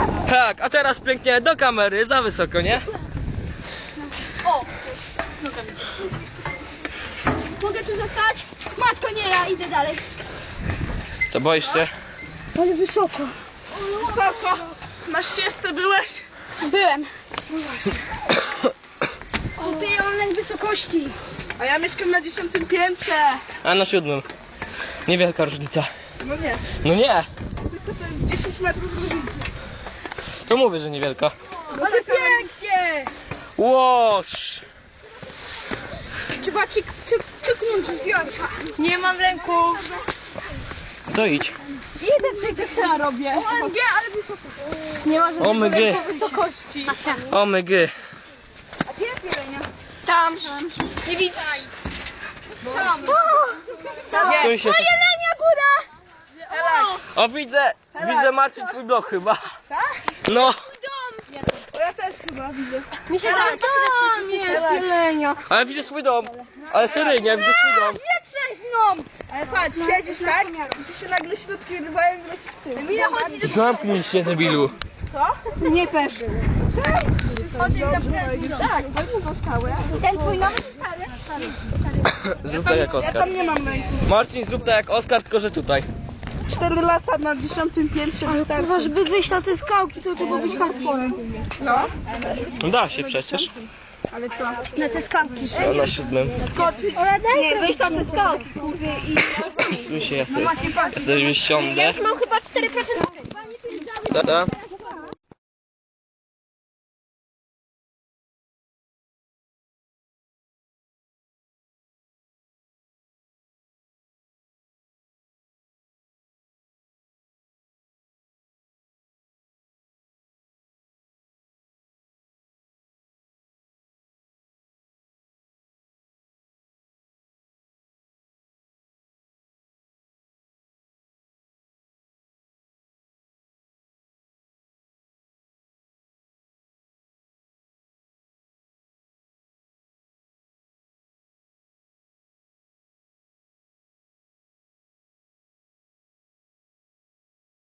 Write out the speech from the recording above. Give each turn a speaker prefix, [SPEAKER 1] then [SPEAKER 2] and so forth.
[SPEAKER 1] Tak, a teraz pięknie do kamery, za wysoko, nie?
[SPEAKER 2] O! Mogę tu zostać? Matko, nie, ja idę dalej.
[SPEAKER 1] Co, boisz się?
[SPEAKER 2] Ale wysoko.
[SPEAKER 3] Wysoko. Na ścieżce byłeś?
[SPEAKER 2] Byłem. Kupię, ja mam lęk wysokości.
[SPEAKER 3] A ja mieszkam na 10. piętrze.
[SPEAKER 1] A na 7. Niewielka różnica.
[SPEAKER 3] No nie.
[SPEAKER 1] No nie,
[SPEAKER 3] Tylko to jest 10 metrów różnicy.
[SPEAKER 1] to mówię, że niewielka.
[SPEAKER 2] Ale pięknie!
[SPEAKER 1] Łoż!
[SPEAKER 2] Trzeba czyknąć zdjąć. Nie mam lęku.
[SPEAKER 1] To idź.
[SPEAKER 2] Idę przejdę, co ja robię. OMG, ale wysoko. Nie ma żadnego
[SPEAKER 1] OMG.
[SPEAKER 2] lęku wysokości.
[SPEAKER 1] O my gy.
[SPEAKER 2] A gdzie jest jelenia? Tam. Nie widzisz? Tam.
[SPEAKER 1] Stój się.
[SPEAKER 2] O, jelenia góra!
[SPEAKER 1] O, widzę Marcin twój blok chyba.
[SPEAKER 2] Tak?
[SPEAKER 1] No,
[SPEAKER 3] O, ja też chyba widzę.
[SPEAKER 2] Mi się tam jest jelenia.
[SPEAKER 1] ale widzę swój dom. Ale seryjnie, widzę swój dom.
[SPEAKER 2] Jesteś mną!
[SPEAKER 3] Ale patrz, siedzisz tak i tu się nagle środki wyrywają i lecisz w tył.
[SPEAKER 2] Emilia, chodź do...
[SPEAKER 1] Zamknij się, debilu.
[SPEAKER 2] Nie też. Chodź tak, chodź do skały. Ten twój nowy stary.
[SPEAKER 1] Zrób tak jak
[SPEAKER 3] Ja
[SPEAKER 1] Oskar.
[SPEAKER 3] tam nie mam lęku.
[SPEAKER 1] Marcin, zrób tak jak Oskar, tylko że tutaj.
[SPEAKER 3] 4 lata na 10. piętrze
[SPEAKER 2] Chyba,
[SPEAKER 3] wystarczy.
[SPEAKER 2] żeby wyjść na te skałki, to trzeba być hardcorem.
[SPEAKER 3] No.
[SPEAKER 1] No da się przecież.
[SPEAKER 2] Ale co? Na te skałki.
[SPEAKER 1] No, na 7.
[SPEAKER 2] Nie, wyjść na te skałki, kurde, i...
[SPEAKER 1] Słyszę, ja sobie siądę.
[SPEAKER 2] Mam chyba 4%.
[SPEAKER 1] Da.